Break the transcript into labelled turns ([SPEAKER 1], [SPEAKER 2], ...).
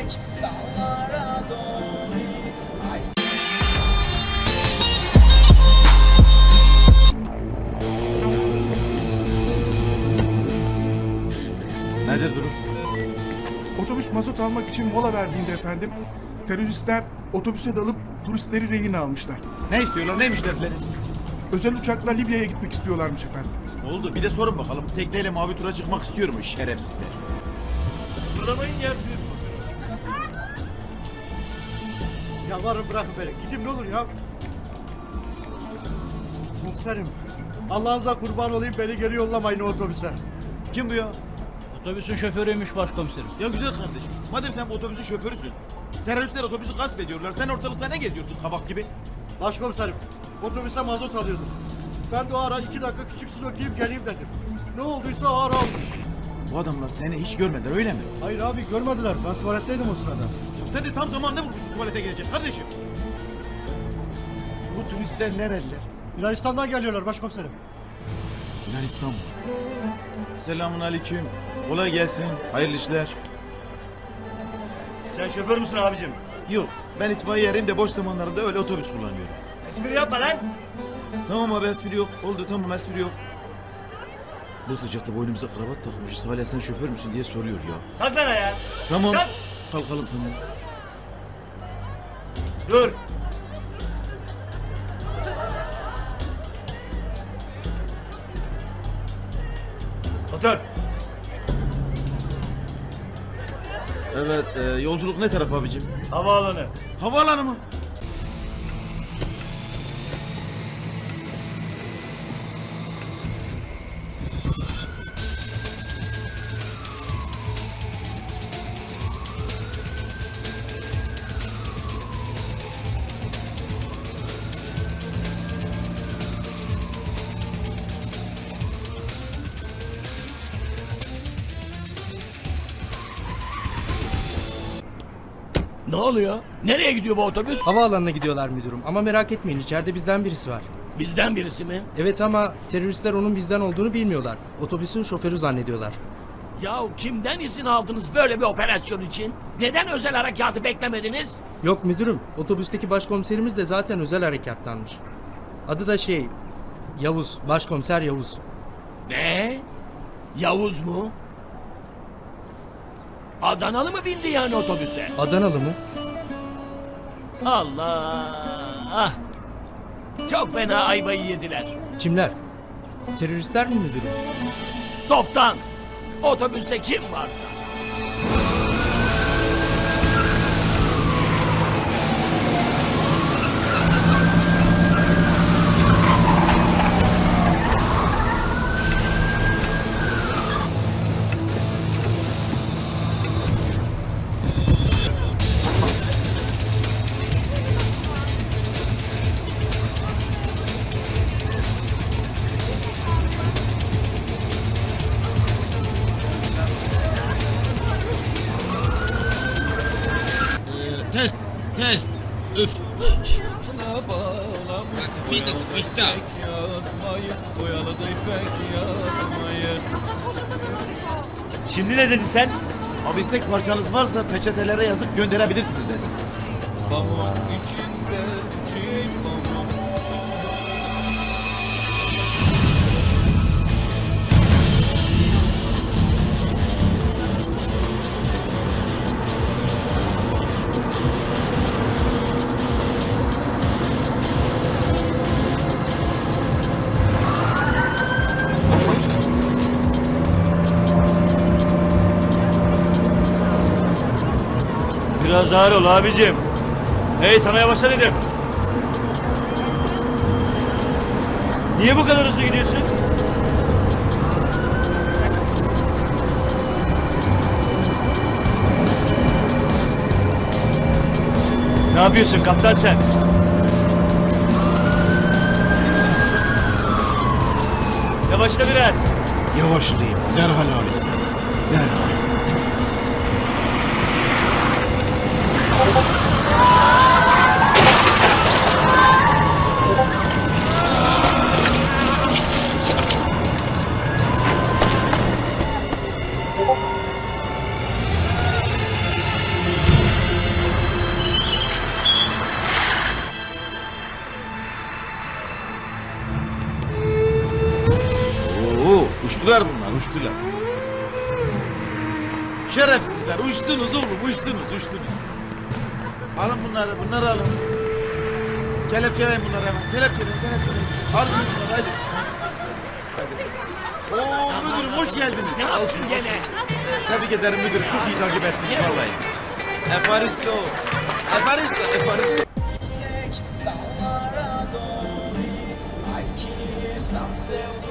[SPEAKER 1] Nedir durum?
[SPEAKER 2] Otobüs mazot almak için mola verdiğinde efendim, teröristler otobüse dalıp turistleri rehin almışlar.
[SPEAKER 1] Ne istiyorlar, neymiş dertleri?
[SPEAKER 2] Özel uçakla Libya'ya gitmek istiyorlarmış efendim.
[SPEAKER 1] Oldu, bir de sorun bakalım. Tekneyle mavi tura çıkmak istiyor mu şerefsizler?
[SPEAKER 3] Fırlamayın yer diyorsunuz. Yalvarırım bırakın beni. Gidin ne olur ya. Komiserim. Allah'ınıza kurban olayım, beni geri yollamayın o otobüse.
[SPEAKER 1] Kim bu ya?
[SPEAKER 4] Otobüsün şoförüymüş başkomiserim.
[SPEAKER 1] Ya güzel kardeşim, madem sen bu otobüsün şoförüsün, teröristler otobüsü gasp ediyorlar, sen ortalıkta ne geziyorsun kabak gibi?
[SPEAKER 3] Başkomiserim, otobüse mazot alıyordum. Ben de o ara 2 dakika küçük su dökeyim geleyim dedim. Ne olduysa o ara olmuş.
[SPEAKER 1] Bu adamlar seni hiç görmediler, öyle mi?
[SPEAKER 3] Hayır abi, görmediler. Ben tuvaletteydim o sırada.
[SPEAKER 1] Ya sen de tam zamanında vurmuşsun tuvalete gidecek kardeşim. Bu turistler nereliler?
[SPEAKER 3] Yunanistan'dan geliyorlar başkomiserim.
[SPEAKER 1] Yunanistan mı? Selamun aleyküm. Kolay gelsin. Hayırlı işler.
[SPEAKER 5] Sen şoför müsün abicim?
[SPEAKER 1] Yok, ben itfaiye eriyim de boş zamanlarında öyle otobüs kullanıyorum.
[SPEAKER 5] Espri yapma lan.
[SPEAKER 1] Tamam abi, espri yok. Oldu, tamam, espri yok. Bu sıcakta boynumuza kravat takmışız. Hala sen şoför müsün diye soruyor ya.
[SPEAKER 5] Kalk lan ayağa.
[SPEAKER 1] Tamam.
[SPEAKER 5] Kalk.
[SPEAKER 1] Kalkalım, tamam.
[SPEAKER 5] Dur. Otur.
[SPEAKER 1] Evet, yolculuk ne taraf abicim?
[SPEAKER 5] Havaalanı.
[SPEAKER 1] Havaalanı mı?
[SPEAKER 4] Ne oluyor? Nereye gidiyor bu otobüs?
[SPEAKER 6] Havaalanına gidiyorlar müdürüm ama merak etmeyin, içeride bizden birisi var.
[SPEAKER 4] Bizden birisi mi?
[SPEAKER 6] Evet ama teröristler onun bizden olduğunu bilmiyorlar. Otobüsün şoförü zannediyorlar.
[SPEAKER 4] Yahu kimden izin aldınız böyle bir operasyon için? Neden özel harekatı beklemediniz?
[SPEAKER 6] Yok müdürüm, otobüsteki başkomiserimiz de zaten özel harekattanmış. Adı da Yavuz, başkomiser Yavuz.
[SPEAKER 4] Ne? Yavuz mu? Adanalı mı bindi yani otobüse?
[SPEAKER 6] Adanalı mı?
[SPEAKER 4] Allah! Çok fena ayvayı yediler.
[SPEAKER 6] Kimler? Teröristler mi müdürüm?
[SPEAKER 4] Toptan! Otobüste kim varsa.
[SPEAKER 7] Test. Üf. Fides fihta.
[SPEAKER 5] Şimdi ne dedin sen?
[SPEAKER 1] Abi istek parçanız varsa peçetelere yazıp gönderebilirsiniz dedi.
[SPEAKER 5] Biraz ağır ol abicim. Hey, sana yavaşla dedim. Niye bu kadar hızlı gidiyorsun? Ne yapıyorsun kaptan sen? Yavaşla biraz.
[SPEAKER 7] Yavaşlayayım. Derhal abisi. Derhal.
[SPEAKER 1] uçtular. Şerefsizler uçtunuz oğlum uçtunuz. Alın bunları alın. Kelepçeleyin bunları hemen. Kelepçeleyin. Alın bunları haydi. Oo müdürüm hoş geldiniz.
[SPEAKER 4] Ne
[SPEAKER 1] Al
[SPEAKER 4] yaptın
[SPEAKER 1] şunu,
[SPEAKER 4] gene?
[SPEAKER 1] Tebrik ederim müdürüm. Çok iyi takip ettiniz vallahi. Efaristo.
[SPEAKER 8] Dağlara doğru ay ki sam sevdim.